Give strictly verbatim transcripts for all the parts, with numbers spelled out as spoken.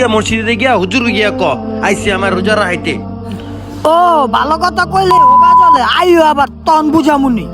গিয়া মসজিদে গিয়া হুজুর গিয়া ক আইসি আমার রোজা রাখাইতে। ও ভালো কথা কইলে হোগা চলে আইও আবার তন বুঝামুনি।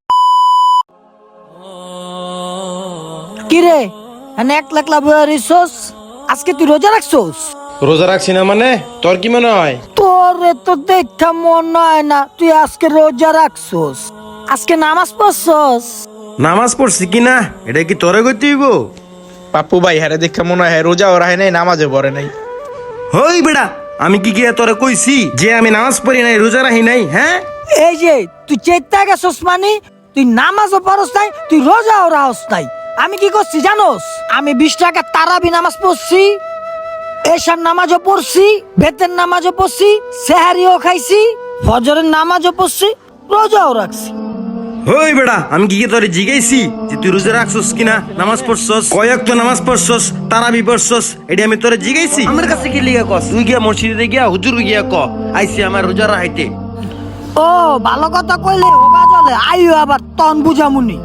কিরে এনে এক লাখ লাভ রিসোস আজকে তুই রোজা রাখছোস? রোজা রাখছি না মানে তোর কি মনে হয়? তোরে তো দেখা মনে হয় না তুই আজকে রোজা রাখছোস। আজকে নামাজ পড়ছস? নামাজ পড়ছি কিনা এটা কি তোরে কইতে হইব? পাপ্পু ভাই হ্যাঁ দেখে মনে হয় রোজা ওরা হয় নাই, নামাজে পড়ে নাই। হই বেড়া, আমি কি গিয়া তোরে কইছি যে আমি নামাজ পড়ি নাই রোজা রাখি নাই? হ্যাঁ এই যে তুই চেতা গেছস মানে তুই নামাজও পড়স নাই তুই রোজাও রাখস নাই। আমি কি করছি জানোস? আমি বিশ টাকা তারাবি নামাজ পড়ছি, এশার নামাজও পড়ছি, বেতের নামাজও পড়ছি, সেহারিও খাইছি, ফজরের নামাজও পড়ছি, রোজাও রাখছি। হই বেড়া, আমি কি গিয়ে তোরে জিগাইছি যে তুই রোজা রাখছস কিনা, নামাজ পড়ছস, কয়েক তো নামাজ পড়ছস, তারাবি পড়ছস, এটা আমি তোরে জিগাইছি? আমার কাছে কি লিগা কস? তুই গিয়া মসজিদে গিয়া হুজুর গিয়া ক আইসি আমার রোজা রাখাইতে। ও ভালো কথা কইলে হোগা চলে আইও আবার তন বুঝামুনি।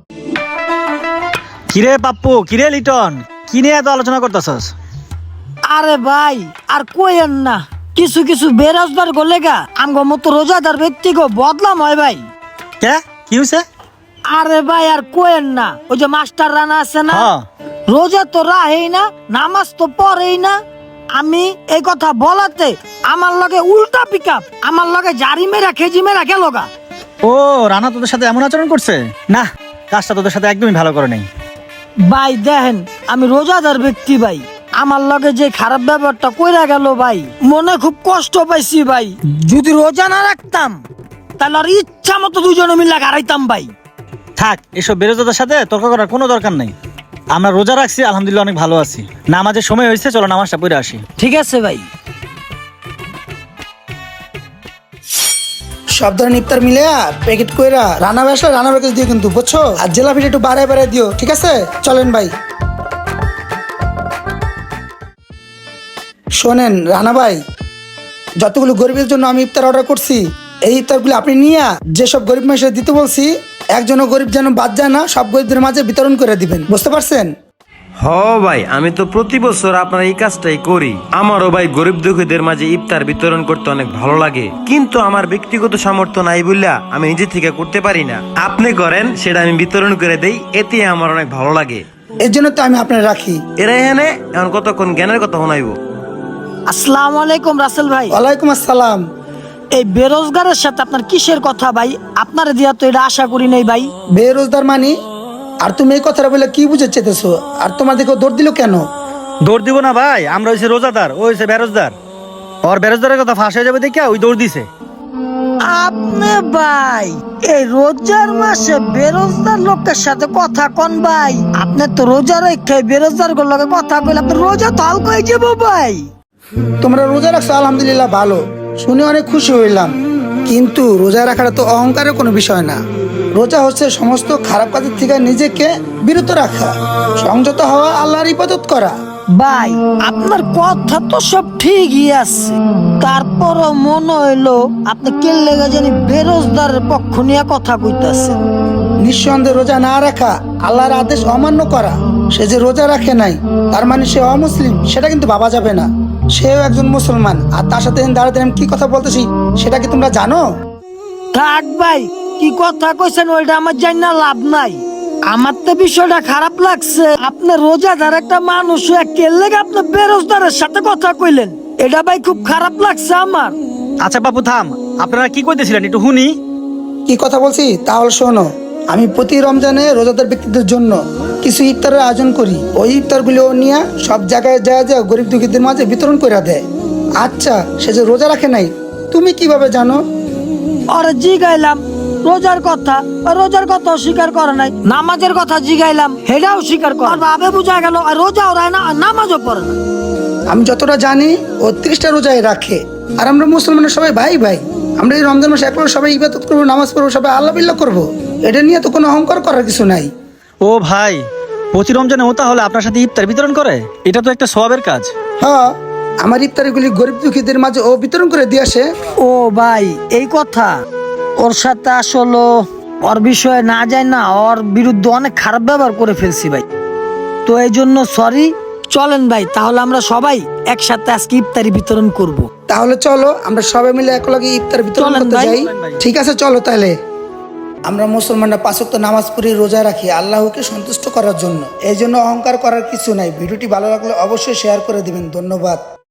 কিরে পাপ্পু, কিরে লিটন, কি নিয়ে এত আলোচনা করতেছস? আরে ভাই আর কইেন না, কিছু কিছু বেরোজগার গলে গা আমগো মতো রোজাদার ব্যক্তিগো বদলাম হয় ভাই। কে কি হইছে? আরে ভাই আর কোয়েন না, ওই যে মাস্টার রানা আছে না, হ্যাঁ। রোজা তো রাহেই না, নামাজ তো পড়েই না। আমি এই কথা বলাতে আমার লগে উল্টা পিকআপ, আমার লগে জারি মেরা খেজি মেরা গেল গা। ও রানা তোদের সাথে এমন আচরণ করছে? না, কাজটা তোদের সাথে একদমই ভালো করে নাই। ভাই দেখেন আমি রোজাদার ব্যক্তি ভাই, আমার লগে যে খারাপ ব্যাপারটা কইরা গেল ভাই মনে খুব কষ্ট পাইছি ভাই। যদি রোজা না রাখতাম তাহলে আর ইচ্ছা মতো দুজনে মিলে হারাইতাম ভাই। থাক, এসব বেরোজদের সাথে তর্ক করার কোনো দরকার নেই। আমরা রোজা রাখছি, আলহামদুলিল্লাহ অনেক ভালো আছি। নামাজের সময় হয়েছে, চলো নামাজটা পড়ে আসি। ঠিক আছে ভাই। সব ধরনের ইফতার মিলে প্যাকেট কইরা রান্না ব্যবসা রান্না প্যাকেজ দিও কিন্তু, বুঝছো? আর জেলাপিটা একটু বাড়ায় বাড়ায় দিও, ঠিক আছে? চলেন ভাই। শোনেন রানা ভাই, যতগুলো গরিবের জন্য আমি ইফতার অর্ডার করছি, এই ইফতারগুলো আপনি নিয়ে যেসব গরিব মানুষের দিতে বলছি, একজনও গরিব যেন বাদ যায় না, সব গরিবদের মাঝে বিতরণ করে দিবেন, বুঝতে পারছেন? হ ভাই, আমি তো প্রতি বছর আপনার এই কাজটাই করি। আমারও ভাই গরিব দুঃখীদের মাঝে ইফতার বিতরণ করতে অনেক ভালো লাগে, কিন্তু আমার ব্যক্তিগত সামর্থ্য নাই বললা আমি নিজে থেকে করতে পারি না। আপনি করেন, সেটা আমি বিতরণ করে দেই, এতে আমার অনেক ভালো লাগে। এর জন্য তো আমি আপনার রাখি। এরা এখানে এখন কতক্ষণ জ্ঞানের কথা শোনাইব। আসসালামু আলাইকুম রাসেল ভাই। ওয়ালাইকুম আসসালাম। এই বেরোজগারের সাথে আপনার কিসের কথা ভাই? আপনার দিয়া তো এটা আশা করি নাই ভাই। বেরোজগার মানি? আর তুমি এই কথাটা বলে কি বুঝে চেতেছো? আর তোমার দিকে দৌড় দিল কেন? দৌড় দিব না ভাই, আমরা হইছে রোজাদার, ও হইছে বেরোজদার। ওর বেরোজদারের কথা ফাঁস হয়ে যাবে দেখে ওই দৌড় দিছে। আপনি ভাই এই রোজার মাসে বেরোজগার লোকের সাথে কথা কন ভাই? আপনি তো রোজা রেখে বেরোজগার লোকের কথা কইলে আপনার রোজা তো হালকা হয়ে যাবো ভাই। তোমরা রোজা রাখছো আলহামদুলিল্লাহ, ভালো শুনে অনেক খুশি হইলাম, কিন্তু রোজা রাখাটা তো অহংকারের কোনো বিষয় না। রোজা হচ্ছে সমস্ত খারাপ কাজের থেকে নিজেকে বিরত রাখা, সংযত হওয়া, আল্লাহর ইবাদত করা। ভাই আপনার কথা তো সব ঠিকই আছে, তারপরও মনে হইলো আপনি কে লেগে জানি বেরোজগারের পক্ষ নিয়ে কথা কইতাছেন। নিঃসন্দেহে রোজা না রাখা আল্লাহর আদেশ অমান্য করা। সে যে রোজা রাখে নাই তার মানে সে অমুসলিম, সেটা কিন্তু ভাবা যাবে না। সেও একজন মুসলমান, আর তার সাথে দাঁড়াতে আমি কি কথা বলতেছি সেটা কি তোমরা জানো? থাক ভাই, কি কথা কইছেন ওইটা আমার জানি না, লাভ নাই। আমার তো বিষয়টা খারাপ লাগছে, আপনি রোজাদার একটা মানুষ কেলে আপনি বেরোজগারের সাথে কথা কইলেন, এটা ভাই খুব খারাপ লাগছে আমার। আচ্ছা বাপু থাম, আপনারা কি কইতেছিলেন একটু শুনি। কি কথা বলছি তাহলে শোনো। আমি প্রতি রমজানে রোজাদার ব্যক্তিদের জন্য কিছু ইফতারের আয়োজন করি। ওই ইফতারগুলো নিয়ে সব জায়গায় যায় যায় গরিব দুঃখীদের মাঝে বিতরণ করে দেয়। আচ্ছা, সে যে রোজা রাখে নাই তুমি কিভাবে জানো? ওরে জিগাইলাম রোজার কথা, রোজার কথা স্বীকার করে নাই। নামাজের কথা জিগাইলাম, হেটাও স্বীকার করে। আর ভাবে বুঝা গেল আর রোজাও রায় না আর নামাজও পড়ে না। আমি যতটা জানি ও ত্রিশটা রোজায় রাখে, আর আমরা মুসলমানের সবাই ভাই ভাই। আমরা এই রমজান মাসে একবার সবাই ইবাদত করবো, নামাজ পড়বো, সবাই আল্লাহ বিল্লাহ করবো। এটা নিয়ে তো কোনো অহংকার করার কিছু নাই। ও ভাই, প্রতি রমজানে ও তাহলে আপনার সাথে ইফতার বিতরণ করে? এটা তো একটা সওয়াবের কাজ। হ্যাঁ, আমার ইফতারিগুলি গরিব দুঃখীদের মাঝে ও বিতরণ করে দিয়ে আসে। ও ভাই এই কথা, ওর সাথে আসলে ওর বিষয়ে না যায় না, ওর বিরুদ্ধে অনেক খারাপ ব্যবহার করে ফেলছি ভাই। তো এই জন্য সরি, চলেন ভাই, তাহলে আমরা সবাই একসাথে আজকে ইফতারি বিতরণ করব। তাহলে চলো আমরা সবাই মিলে একলগে ইফতার বিতরণ চলেন করতে ভাই। যাই। ঠিক আছে, চলো তাহলে। আমরা মুসলমানরা পাঁচ ওয়াক্ত নামাজ পড়ি, রোজা রাখি আল্লাহকে সন্তুষ্ট করার জন্য। এই জন্য অহংকার করার কিছু নাই। ভিডিওটি ভালো লাগলে অবশ্যই শেয়ার করে দিবেন। ধন্যবাদ।